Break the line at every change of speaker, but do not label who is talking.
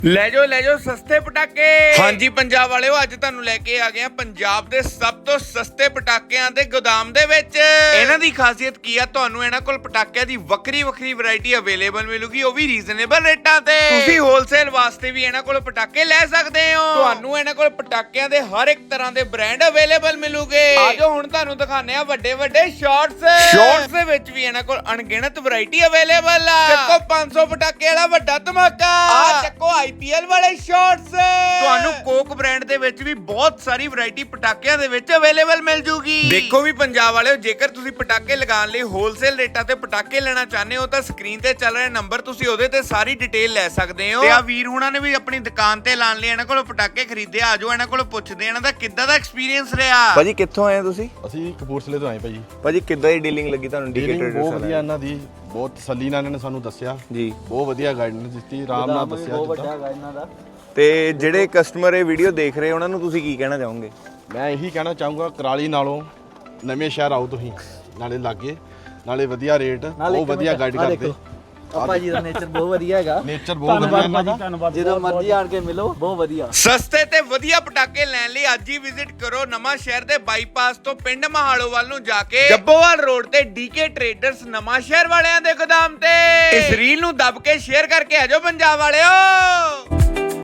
ਲੈ ਜਾਓ ਸਸਤੇ ਪਟਾਕੇ। ਹਾਂਜੀ ਪੰਜਾਬ ਵਾਲਿਓ, ਅੱਜ ਤੁਹਾਨੂੰ ਲੈ ਕੇ ਆ ਗਏ ਆ ਪੰਜਾਬ ਦੇ ਸਭ ਤੋਂ ਸਸਤੇ ਪਟਾਕਿਆਂ ਦੇ ਗੋਦਾਮ ਦੇ ਵਿੱਚ। ਇਹਨਾਂ ਦੀ ਖਾਸੀਅਤ ਕੀ ਆ, ਤੁਹਾਨੂੰ ਇਹਨਾਂ ਕੋਲ ਪਟਾਕਿਆਂ ਦੀ ਵੱਖਰੀ ਵੈਰਾਈਟੀ ਅਵੇਲੇਬਲ ਮਿਲੂਗੀ, ਉਹ ਵੀ ਰੀਜ਼ਨੇਬਲ ਰੇਟਾਂ ਤੇ। ਤੁਸੀਂ ਹੋਲਸੇਲ ਵਾਸਤੇ ਵੀ ਇਹਨਾਂ ਕੋਲ ਪਟਾਕੇ ਲੈ ਸਕਦੇ ਹੋ। ਤੁਹਾਨੂੰ ਇਹਨਾਂ ਕੋਲ ਪਟਾਕਿਆਂ ਦੇ ਹਰ ਇੱਕ ਤਰ੍ਹਾਂ ਦੇ ਬ੍ਰਾਂਡ ਅਵੇਲੇਬਲ ਮਿਲੂਗੇ। ਆਜੋ ਹੁਣ ਤੁਹਾਨੂੰ ਦਿਖਾਣੇ ਆ ਵੱਡੇ ਸ਼ਾਰਟਸ ਦੇ ਵਿੱਚ ਵੀ ਇਹਨਾਂ ਕੋਲ ਅਣਗਿਣਤ ਵੈਰਾਈਟੀ ਅਵੇਲੇਬਲ ਆ। ਚੱਕੋ 500 ਪਟਾਕੇ ਵਾਲਾ ਵੱਡਾ ਧਮਾਕਾ, ਆ ਚੱਕੋ IPL ਵਾਲੇ ਸ਼ਾਰਟਸ। ਤੁਹਾਨੂੰ ਕੋਕ ਬ੍ਰਾਂਡ ਦੇ ਵਿੱਚ ਵੀ ਬਹੁਤ ਸਾਰੀ ਵੈਰਾਈਟੀ ਪਟਾਕਿਆਂ ਦੇ ਵਿੱਚ ਅਵੇਲੇਬਲ ਮਿਲ ਜੂਗੀ। ਦੇਖੋ ਵੀ ਪੰਜਾਬ ਵਾਲਿਓ, ਜੇਕਰ ਤੁਸੀਂ ਪਟਾਕੇ ਲਗਾਉਣ ਲਈ ਹੋਲਸੇਲ ਰੇਟਾਂ ਤੇ ਪਟਾਕੇ ਲੈਣਾ ਚਾਹੁੰਦੇ ਹੋ ਤਾਂ ਸਕਰੀਨ ਤੇ ਚੱਲ ਰਿਹਾ ਨੰਬਰ, ਤੁਸੀਂ ਉਹਦੇ ਤੇ ਸਾਰੀ ਡਿਟੇਲ ਲੈ ਸਕਦੇ ਹੋ। ਤੇ ਆ ਵੀਰ ਹੁਣਾਂ ਨੇ ਵੀ ਆਪਣੀ ਦੁਕਾਨ ਤੇ ਲਾਣ ਲਈ ਇਹਨਾਂ ਕੋਲੋਂ ਪਟਾਕੇ ਖਰੀਦੇ। ਆਜੋ ਇਹਨਾਂ ਕੋਲੋਂ ਪੁੱਛਦੇ ਇਹਨਾਂ ਦਾ ਕਿੱਦਾਂ ਦਾ ਐਕਸਪੀਰੀਅੰਸ ਰਿਹਾ।
ਭਾਜੀ ਕਿੱਥੋਂ ਆਏ ਤੁਸੀਂ?
ਅਸੀਂ ਕਪੂਰਥਲੇ ਤੋਂ ਆਏ ਭਾਜੀ।
ਭਾਜੀ ਕਿੱਦਾਂ ਦੀ ਡੀਲਿੰਗ ਲੱਗੀ ਤੁਹਾਨੂੰ?
ਡੀਲਿੰਗ ਬਹੁਤ ਵਧੀਆ ਇਹਨਾਂ ਦੀ, ਬਹੁਤ ਤਸੱਲੀ ਨਾਲ ਇਹਨਾਂ ਨੇ ਸਾਨੂੰ ਦੱਸਿਆ
ਜੀ,
ਬਹੁਤ ਵਧੀਆ ਗਾਈਡੈਂਸ ਦਿੱਤੀ, ਆਰਾਮ ਨਾਲ ਦੱਸਿਆ ਜਿੱਦਾਂ।
ਤੇ ਜਿਹੜੇ ਕਸਟਮਰ ਇਹ ਵੀਡੀਓ ਦੇਖ ਰਹੇ ਉਹਨਾਂ ਨੂੰ ਤੁਸੀਂ ਕੀ ਕਹਿਣਾ ਚਾਹੋਗੇ?
ਮੈਂ ਇਹੀ ਕਹਿਣਾ ਚਾਹੂੰਗਾ, ਕਰਾਲੀ ਨਾਲੋਂ ਨਵੇਂ ਸ਼ਹਿਰ ਆਓ ਤੁਸੀਂ, ਨਾਲੇ ਲਾਗੇ, ਨਾਲੇ ਵਧੀਆ ਰੇਟ, ਬਹੁਤ ਵਧੀਆ ਗਾਈਡ ਕਰਦੇ।
ਭਾਜੀ ਦਾ ਨੇਚਰ ਬਹੁਤ ਵਧੀਆ ਹੈਗਾ,
ਨੇਚਰ ਬਹੁਤ ਵਧੀਆ ਇਹਨਾਂ ਦਾ।
ਜਦੋਂ ਮਰਜ਼ੀ ਆਣ ਕੇ ਮਿਲੋ, ਬਹੁਤ ਵਧੀਆ।
ਸਸਤੇ ਤੇ ਵਧੀਆ ਪਟਾਕੇ ਲੈਣ ਲਈ ਅੱਜ ਹੀ ਵਿਜ਼ਿਟ ਕਰੋ ਨਵਾਂ ਸ਼ਹਿਰ ਦੇ ਬਾਈਪਾਸ ਤੋਂ ਪਿੰਡ ਮਹਾਲੋਵਾਲ ਨੂੰ ਜਾ ਕੇ ਜੱਬੋਵਾਲ ਰੋਡ ਤੇ DK ਟ੍ਰੇਡਰਸ ਨਵਾਂ ਸ਼ਹਿਰ ਵਾਲਿਆਂ ਦੇ ਗੋਦਾਮ ਤੇ। ਇਸ ਰੀਲ ਨੂੰ ਦੱਬ ਕੇ ਸ਼ੇਅਰ ਕਰਕੇ ਆਜੋ ਪੰਜਾਬ ਵਾਲਿਓ।